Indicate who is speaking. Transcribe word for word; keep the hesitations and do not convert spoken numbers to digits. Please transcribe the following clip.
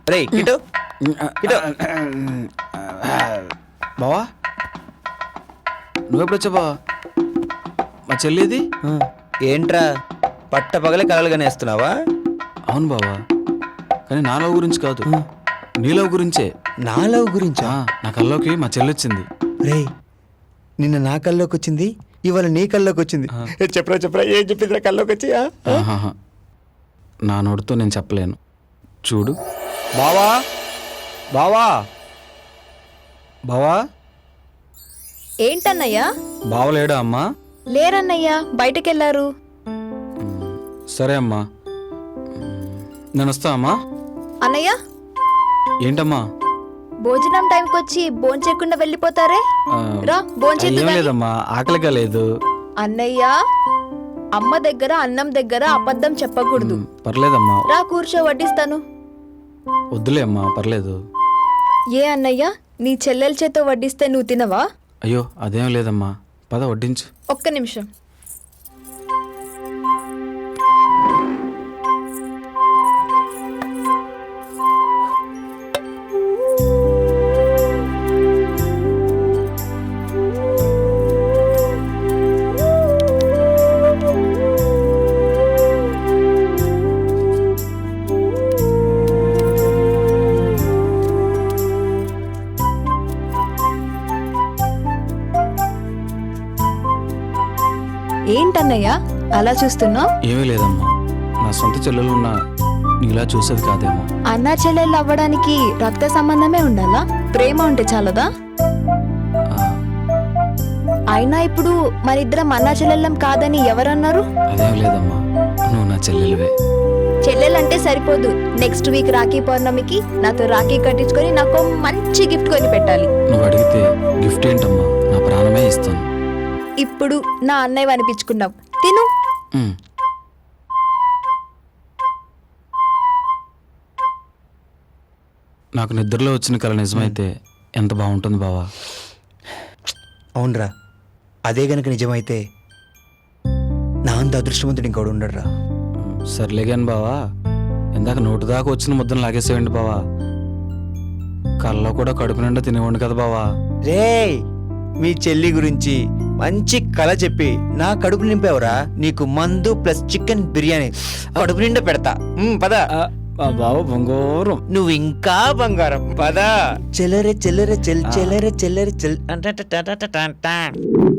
Speaker 1: రే keto keto
Speaker 2: బావా నువ్వెప్పుడొచ్చా బావా? మా చెల్లిది?
Speaker 1: ఏంట్రా పట్ట పగలే కలలుగానే వేస్తున్నావా?
Speaker 2: అవును బావా, కానీ నా లవ్ గురించి కాదు, నీ లవ్ గురించే.
Speaker 1: నా లవ్ గురించా?
Speaker 2: నా కల్లోకి మా చెల్లి వచ్చింది.
Speaker 1: రే నిన్న నా కల్లోకి వచ్చింది, ఇవాళ నీ కల్లోకి వచ్చింది. చెప్పరా చెప్పరా ఏం చెప్పిందిరా కల్లోకి వచ్చి?
Speaker 2: ఆహాహా. నా నోటితో నేను చెప్పలేను. చూడు
Speaker 1: బావా బావా బావా
Speaker 3: ఏంటన్నయ్యా?
Speaker 2: బావలేడా అమ్మా?
Speaker 3: లేరన్నయ్యా, బయటకెళ్లారు.
Speaker 2: సరే అమ్మా, నేను వస్తా అమ్మా.
Speaker 3: అన్నయ్య
Speaker 2: ఏంటమ్మా?
Speaker 3: భోజనం టైంకి వచ్చి భోంచేయకుండా వెళ్ళిపోతారే?
Speaker 2: ఆ,
Speaker 3: రా భోంచేద్దు
Speaker 2: ఏం
Speaker 3: గాని.
Speaker 2: లేదమ్మా, ఆకలిగా లేదు.
Speaker 3: అన్నయ్య, అమ్మ దగ్గర అన్నం దగ్గర అబద్ధం చెప్పకూడదు.
Speaker 2: పర్లేదమ్మా,
Speaker 3: రా కూర్చో, వడ్డిస్తాను.
Speaker 2: వద్దులే అమ్మా, పర్లేదు.
Speaker 3: ఏ అన్నయ్య, నీ చెల్లెల చేతో వడ్డిస్తే నువ్వు తినవా?
Speaker 2: అయ్యో అదేం లేదమ్మా, పద వడ్డించు.
Speaker 3: ఒక్క నిమిషం. ఏంటన్నయ్య అలా చూస్తున్నావు?
Speaker 2: ఏమీ లేదమ్మా, నా సొంత చెల్లెలు ఉన్నా నీలా చూసేది కాదేమో.
Speaker 3: అన్నా చెల్లెళ్ళు అవ్వడానికి రక్త సంబంధమే ఉండాలా? ప్రేమ ఉంటే చాలదా?
Speaker 2: ఆ,
Speaker 3: అయినా ఇప్పుడు మరిద్దరం అన్నా చెల్లెళ్ళం కాదని ఎవరన్నారు?
Speaker 2: అదేం లేదమ్మా, నువ్వు నా చెల్లెలివే.
Speaker 3: చెల్లెలంటే సరిపోదు, నెక్స్ట్ వీక్ రాఖీ పౌర్ణమికి నాతో రాఖీ కట్టించుకొని నాకు మంచి గిఫ్ట్ కొని పెట్టాలి.
Speaker 2: నువ్వు అడిగితే గిఫ్ట్ ఏంటమ్మా, నా ప్రాణమే ఇస్తాను.
Speaker 3: ఇప్పుడు నా అన్నయ్య అనిపించుకున్నావు, తిను.
Speaker 2: ఉమ్. నాకు నిద్రలో వచ్చిన కల నిజమైతే ఎంత బాగుంటుంది బావా.
Speaker 1: అవునరా, అదే గనక నిజమైతే నా అంత అదృష్టవంతుడు ఇంకోడు ఉండడురా.
Speaker 2: సర్లేగాని బావా, ఇందాక నోటు దాకా వచ్చిన ముద్దను లాగేసేయండి బావా. కల్లో కూడా కడుపు నిండా తినేవాడు కదా బావా.
Speaker 1: రే మీ చెల్లి గురించి మంచి కళ చెప్పి నా కడుపు నింపావురా. నీకు మందు ప్లస్ చికెన్ బిర్యానీ కడుపు నిండా పెడతా. ఉమ్, పద.
Speaker 2: బావ బంగారం.
Speaker 1: నువ్వు ఇంకా బంగారం, పద. చెల్లరే చెల్లరే చెల్ చెల్లరే చెల్లరే చెల్.